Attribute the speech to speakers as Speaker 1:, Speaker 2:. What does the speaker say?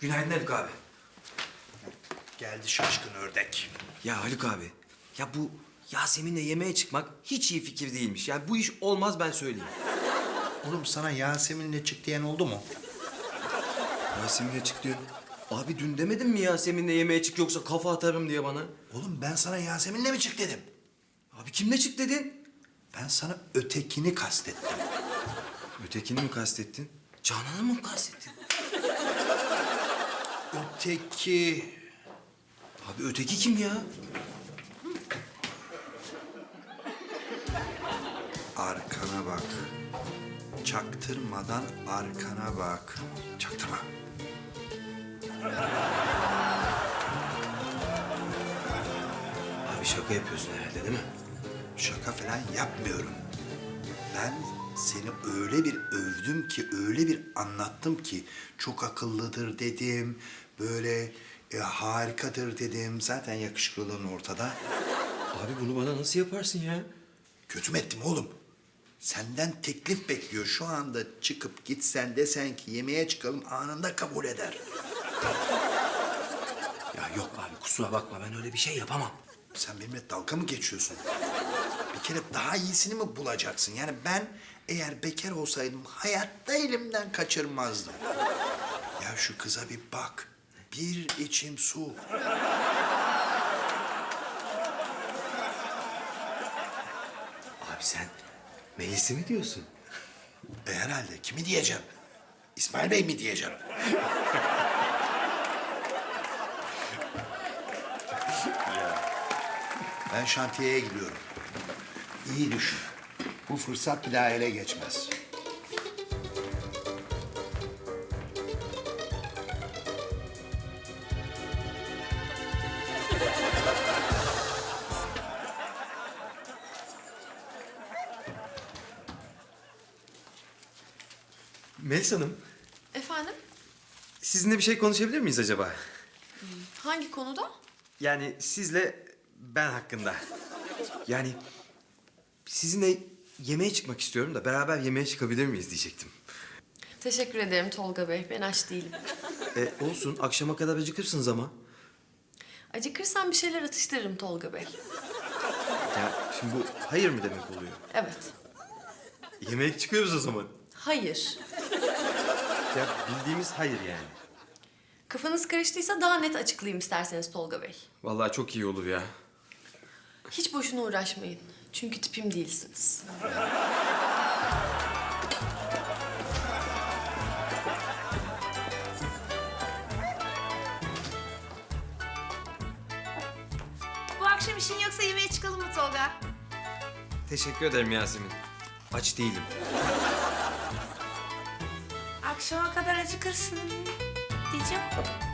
Speaker 1: Günaydın Haluk abi.
Speaker 2: Geldi şaşkın ördek.
Speaker 1: Ya Haluk abi, ya bu Yasemin'le yemeğe çıkmak hiç iyi fikir değilmiş. Yani bu iş olmaz, ben söyleyeyim.
Speaker 2: Oğlum sana Yasemin'le çık diyen oldu mu?
Speaker 1: Yasemin'le çık diyor. Abi dün demedin mi Yasemin'le yemeğe çık yoksa kafa atarım diye bana?
Speaker 2: Oğlum ben sana Yasemin'le mi çık dedim?
Speaker 1: Abi kimle çık dedin?
Speaker 2: Ben sana ötekini kastettim.
Speaker 1: Ötekini mi kastettin? Canan'ı mı kastettin?
Speaker 2: Öteki...
Speaker 1: Abi öteki kim ya?
Speaker 2: Arkana bak. Çaktırmadan arkana bak. Çaktırma.
Speaker 1: Abi şaka yapıyorsun herhalde değil mi?
Speaker 2: Şaka falan yapmıyorum. Ben seni öyle bir övdüm ki, öyle bir anlattım ki... ...çok akıllıdır dedim, böyle harikadır dedim. Zaten yakışıklılığın ortada.
Speaker 1: Abi bunu bana nasıl yaparsın ya?
Speaker 2: Kötü mü ettim oğlum? Senden teklif bekliyor. Şu anda çıkıp gitsen desen ki yemeğe çıkalım anında kabul eder.
Speaker 1: Ya yok abi kusura bakma, ben öyle bir şey yapamam.
Speaker 2: Sen benimle dalga mı geçiyorsun? Bir kere daha iyisini mi bulacaksın? Yani ben eğer bekar olsaydım hayatta elimden kaçırmazdım. Ya şu kıza bir bak. Bir içim su.
Speaker 1: Abi sen Melis'i mi diyorsun?
Speaker 2: Herhalde. Kimi diyeceğim? İsmail Bey mi diyeceğim? Ben şantiyeye gidiyorum. İyi düşün. Bu fırsat bir daha ele geçmez.
Speaker 1: Melis Hanım,
Speaker 3: Efendim?
Speaker 1: sizinle bir şey konuşabilir miyiz acaba?
Speaker 3: Hangi konuda?
Speaker 1: Yani sizle ben hakkında. Yani sizinle yemeğe çıkmak istiyorum da beraber yemeğe çıkabilir miyiz diyecektim.
Speaker 3: Teşekkür ederim Tolga Bey. Ben aç değilim.
Speaker 1: Olsun, akşama kadar acıkırsınız ama.
Speaker 3: Acıkırsam bir şeyler atıştırırım Tolga Bey.
Speaker 1: Ya şimdi bu hayır mı demek oluyor?
Speaker 3: Evet.
Speaker 1: Yemeğe çıkıyoruz o zaman.
Speaker 3: Hayır.
Speaker 1: Ya bildiğimiz hayır yani.
Speaker 3: Kafanız karıştıysa daha net açıklayayım isterseniz Tolga Bey.
Speaker 1: Vallahi çok iyi olur ya.
Speaker 3: Hiç boşuna uğraşmayın. Çünkü tipim değilsiniz.
Speaker 4: Bu akşam işin yoksa yemeğe çıkalım mı Tolga?
Speaker 1: Teşekkür ederim Yasemin. Aç değilim.
Speaker 4: Akşama kadar acıkırsın diyeceğim.